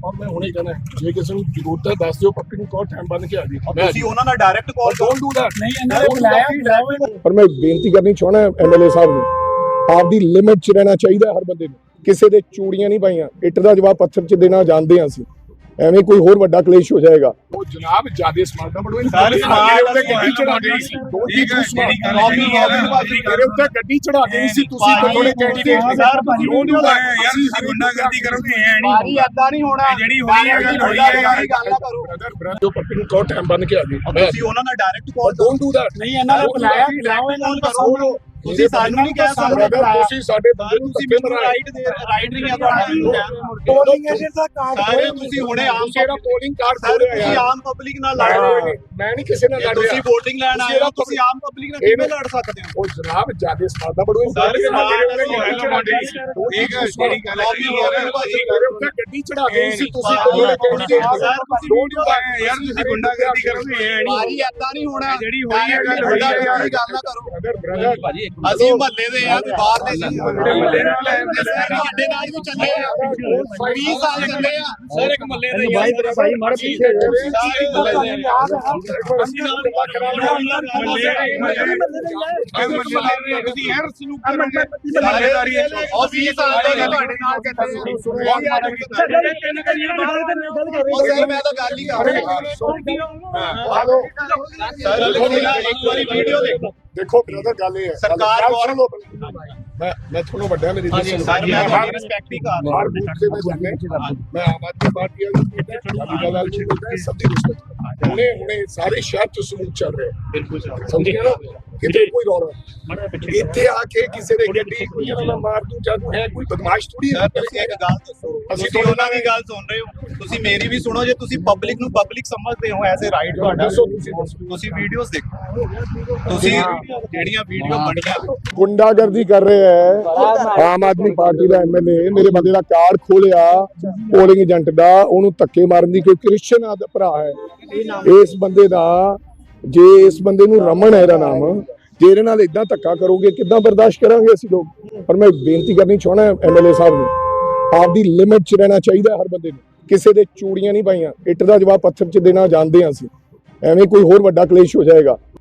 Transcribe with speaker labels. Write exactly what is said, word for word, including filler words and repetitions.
Speaker 1: ਔਰ ਮੈਂ ਹੁਣੇ ਕਹਿਣਾ ਜੇ ਕਿਸੇ ਨੂੰ ਜ਼ਰੂਰਤ ਹੈ ਦੱਸ ਦਿਓ, ਪੱਪੀ ਨੂੰ ਕਹੋ ਟਾਈਮ ਬੰਨ ਕੇ ਆ ਜੀ।
Speaker 2: ਤੁਸੀਂ ਉਹਨਾਂ ਨਾਲ direct call
Speaker 1: don't do that.
Speaker 2: ਨਹੀਂ ਇਹਨਾਂ ਨੇ ਬੁਲਾਇਆ।
Speaker 3: ਪਰ ਮੈਂ ਬੇਨਤੀ ਕਰਨੀ ਚਾਹਣਾ ਐਮਐਲਏ ਸਾਹਿਬ ਨੂੰ, ਆਪਦੀ ਲਿਮਿਟ 'ਚ ਰਹਿਣਾ ਚਾਹੀਦਾ ਹਰ ਬੰਦੇ ਨੂੰ। ਕਿਸੇ ਦੇ ਚੂੜੀਆਂ ਨਹੀਂ ਪਾਈਆਂ, ਇੱਟ ਦਾ ਜਵਾਬ ਪੱਥਰ 'ਚ ਦੇਣਾ ਜਾਣਦੇ ਹਾਂ ਅਸੀਂ, ਐਵੇਂ ਕੋਈ ਹੋਰ ਵੱਡਾ ਕਲੇਸ਼ ਹੋ ਜਾਏਗਾ।
Speaker 1: ਉਹ ਜਨਾਬ ਜਿਆਦੇ ਸਮਾਰਟ ਨਾ ਬਣੋ,
Speaker 2: ਸਾਰੇ ਸਮਾਰਟ
Speaker 1: ਉੱਤੇ ਗੱਡੀ ਚੜਾ ਦੇਣੀ ਸੀ। ਠੀਕ ਹੈ, ਜਿਹੜੀ ਕਾਪੀ ਕਾਪੀ ਮੇਰੇ ਉੱਤੇ ਗੱਡੀ ਚੜਾ ਦੇਣੀ ਸੀ ਤੁਸੀਂ ਥੋੜੇ ਕੈਂਡੀਡੇਟ
Speaker 2: ਸਰ ਭਾਜੀ ਵੀਡੀਓ ਦਾ
Speaker 4: ਯਾਰ ਤੁਸੀਂ ਗੁੰਡਾਗਰਦੀ ਕਰੋਗੇ ਐ ਨਹੀਂ
Speaker 2: ਭਾਜੀ ਏਦਾਂ ਨਹੀਂ ਹੋਣਾ।
Speaker 4: ਜਿਹੜੀ ਹੋਈ ਹੈ ਗੱਲ ਹੋਈ ਹੈ ਯਾਰ।
Speaker 2: ਗੱਲ ਨਾ ਕਰੋ।
Speaker 1: ਬ੍ਰਦਰ ਬ੍ਰਦਰ ਜੋ ਪੱਪੀ ਨੂੰ ਕਹੋ ਟਾਈਮ ਬੰਨ ਕੇ ਆ ਜੀ।
Speaker 2: ਤੁਸੀਂ ਉਹਨਾਂ ਨਾਲ direct call
Speaker 1: don't do that.
Speaker 2: ਨਹੀਂ ਇਹਨਾਂ ਨੇ ਬੁਲਾਇਆ, ਬੁਲਾਓ ਇਹਨਾਂ ਨੂੰ ਦੱਸੋ। ਤੁਸੀਂ ਸਾਨੂੰ ਨਹੀਂ ਕਹਿ ਸਕਦੇ।
Speaker 1: ਤੁਸੀਂ ਸਾਡੇ ਬੰਦੇ ਨੂੰ
Speaker 2: ਤੁਸੀਂ ਮੈਨੂੰ ਰਾਈਟ ਦੇ ਰਾਈਟ ਨਹੀਂ ਆ ਤੁਹਾਡਾ।
Speaker 3: ਪੋਲਿੰਗ ਏਜੰਟ ਦਾ ਕਾਰਡ
Speaker 2: ਸਾਰੇ ਤੁਸੀਂ ਹੁਣੇ ਆਮ
Speaker 1: ਜਿਹੜਾ ਪੋਲਿੰਗ ਕਾਰਡ
Speaker 2: ਸਰ
Speaker 1: ਖੋਲਿਆ
Speaker 2: ਤੁਸੀਂ
Speaker 1: ਯਾਰ,
Speaker 2: ਆਮ ਪਬਲਿਕ ਨਾਲ ਲੜ ਰਹੇ ਹੋ।
Speaker 1: ਮੈਂ ਨਹੀਂ ਕਿਸੇ ਨਾਲ ਲੜ ਰਿਹਾ।
Speaker 2: ਤੁਸੀਂ VOTING ਲੈਣ ਆਏ ਹੋ, ਤੁਸੀਂ ਆਮ ਪਬਲਿਕ ਨਾਲ ਕਿਵੇਂ ਲੜ ਸਕਦੇ ਹੋ?
Speaker 1: ਉਹ ਜਨਾਬ ਜਿਆਦੇ ਸਮਾਰਟ ਨਾ ਬਣੋ।
Speaker 2: ਸਰ ਸਮਾਰਟ
Speaker 1: ਠੀਕ ਹੈ, ਜਿਹੜੀ ਗੱਲ ਮੇਰੇ ਉੱਤੇ ਗੱਡੀ ਚੜਾ ਦੇਣੀ ਸੀ ਤੁਸੀਂ ਥੋੜੇ ਕੈਂਡੀਡੇਟ।
Speaker 2: ਸਰ ਤੁਸੀਂ ਵੀਡੀਓ ਦਾ
Speaker 4: ਯਾਰ ਤੁਸੀਂ ਗੁੰਡਾਗਰਦੀ ਕਰੋਗੇ ਐ ਨਹੀਂ।
Speaker 2: ਭਾਜੀ ਏਦਾਂ ਨਹੀਂ ਹੋਣਾ।
Speaker 4: ਜਿਹੜੀ ਹੋਈ ਹੈ ਗੱਲ ਹੋਈ ਹੈ।
Speaker 2: ਗੱਲ ਨਾ ਕਰੋ।
Speaker 1: ਬ੍ਰਦਰ ਬ੍ਰਦਰ
Speaker 2: ਅਸੀਂ ਮਹੱਲੇ ਦੇ ਆ, ਤੇ ਬਾਹਰ ਦੇ ਨਹੀਂ। ਤੁਹਾਡੇ ਨਾਲ ਵੀ ਚੱਲੇ ਆ, ਵੀਹ ਸਾਲ ਚੱਲੇ ਆ। ਸਰ ਇੱਕ ਮਹੱਲੇ ਦੇ
Speaker 3: ਭਾਈ ਤੇਰਾ ਭਾਈ ਮਾਰ ਪਿੱਛੇ
Speaker 4: ਤੁਸੀਂ ਯਾਰ ਸਲੂਕ ਕਰੋਗੇ ਜ਼ਿੰਮੇਵਾਰੀ ਹੈ।
Speaker 2: ਉਹ ਵੀਹ ਸਾਲ ਤੋਂ ਤੁਹਾਡੇ ਨਾਲ ਚੱਲੇ। ਉਹ ਸਰ ਮੈਂ ਤਾਂ ਗੱਲ ਹੀ ਕਰ ਰਿਹਾ। ਸਰ ਇੱਕ ਵਾਰੀ ਵੀਡੀਓ ਦੇਖੋ।
Speaker 1: ਦੇਖੋ ਬ੍ਰਦਰ ਗੱਲ ਇਹ ਹੈ,
Speaker 2: ਸਰਕਾਰ
Speaker 1: ਗੱਲ
Speaker 2: ਗੌਰ-
Speaker 1: ਸੁਣ ਲਓ। ਮੈਂ ਮੈਂ ਤੁਹਾਨੂੰ ਵੱਡਾ ਮੇਰੀ
Speaker 2: ਹਾਂਜੀ
Speaker 1: ਇੱਜ਼ਤ
Speaker 2: ਸਰ ਮੈਂ
Speaker 1: ਹਰ
Speaker 2: ਤੁਹਾਡੀ ਰਿਸਪੈਕਟ ਹੀ ਕਰ ਰਿਹਾ।
Speaker 1: ਹਰ ਬੂਥ ਤੇ ਮੈਂ ਜਾਣਾ, ਮੈਂ ਆਮ ਆਦਮੀ ਪਾਰਟੀ ਵਾਲੀ ਅਕਾਲੀ ਦਲ ਵਾਲੀ ਸਭ ਦੀ ਰਿਸਪੈਕਟ। ਹੁਣੇ ਹੁਣੇ ਸਾਰੇ ਸ਼ਹਿਰ ਚ ਸਮੂਹ ਚੱਲ ਰਿਹਾ।
Speaker 2: ਬਿਲਕੁਲ ਸਰ।
Speaker 1: ਸਮਝ ਗਏ ਨਾ, ਕਿਤੇ ਕੋਈ ਰੌਲਾ ਇੱਥੇ ਆ ਕੇ ਕਿਸੇ ਦੇ ਗੱਡੀ ਕੋਈ ਨਾ ਮਾਰ ਦੂੰ ਜਾਂ ਹੈ ਕੋਈ ਬਦਮਾਸ਼ ਥੋੜੀ ਹੈ।
Speaker 2: ਸਰ ਤੁਸੀਂ ਇੱਕ ਗੱਲ ਦੱਸੋ, ਤੁਸੀਂ ਉਹਨਾਂ ਦੀ ਗੱਲ ਸੁਣ ਰਹੇ ਹੋ, ਤੁਸੀਂ ਮੇਰੀ ਵੀ ਸੁਣੋ। ਜੇ ਤੁਸੀਂ ਪਬਲਿਕ ਨੂੰ ਪਬਲਿਕ ਸਮਝਦੇ ਹੋ ਐਜ਼ ਅ ਰਾਈਟ ਤੁਹਾਡਾ,
Speaker 1: ਦੱਸੋ ਤੁਸੀਂ ਦੱਸੋ।
Speaker 2: ਤੁਸੀਂ ਵੀਡੀਓਜ਼ ਦੇਖੋ। ਤੁਸੀਂ ਜਿਹੜੀਆਂ ਵੀਡੀਓ ਬਣੀਆਂ
Speaker 3: ਗੁੰਡਾਗਰਦੀ ਕਰ ਰਿਹਾ ਹੈ ਆਮ ਆਦਮੀ ਪਾਰਟੀ ਦਾ ਐਮਐਲਏ। ਮੇਰੇ ਬੰਦੇ ਦਾ ਕਾਰਡ ਖੋਲਿਆ ਪੋਲਿੰਗ ਏਜੰਟ ਦਾ, ਉਹਨੂੰ ਧੱਕੇ ਮਾਰਨ ਦੀ। ਕੋਈ ਕ੍ਰਿਸਚਨ ਆ ਭਰਾ ਹੈ ਇਸ ਬੰਦੇ ਦਾ, ਜੇ ਇਸ ਬੰਦੇ ਨੂੰ ਰਮਨ ਹੈ ਇਹਦਾ ਨਾਮ, ਜੇ ਇਹਦੇ ਨਾਲ ਇਦਾਂ ਧੱਕਾ ਕਰੋਗੇ ਕਿੱਦਾਂ ਬਰਦਾਸ਼ਤ ਕਰਾਂਗੇ ਅਸੀਂ ਲੋਕ। ਪਰ ਮੈਂ ਬੇਨਤੀ ਕਰਨੀ ਚਾਹਣਾ ਐਮਐਲਏ ਸਾਹਿਬ ਨੂੰ, ਆਪਦੀ ਲਿਮਿਟ 'ਚ ਰਹਿਣਾ ਚਾਹੀਦਾ ਹਰ ਬੰਦੇ ਨੂੰ। ਕਿਸੇ ਦੇ ਚੂੜੀਆਂ ਨਹੀਂ ਪਾਈਆਂ, ਇੱਟ ਦਾ ਜਵਾਬ ਪੱਥਰ 'ਚ ਦੇਣਾ ਜਾਣਦੇ ਹਾਂ ਅਸੀਂ, ਐਵੇਂ ਕੋਈ ਹੋਰ ਵੱਡਾ ਕਲੇਸ਼ ਹੋ ਜਾਏਗਾ।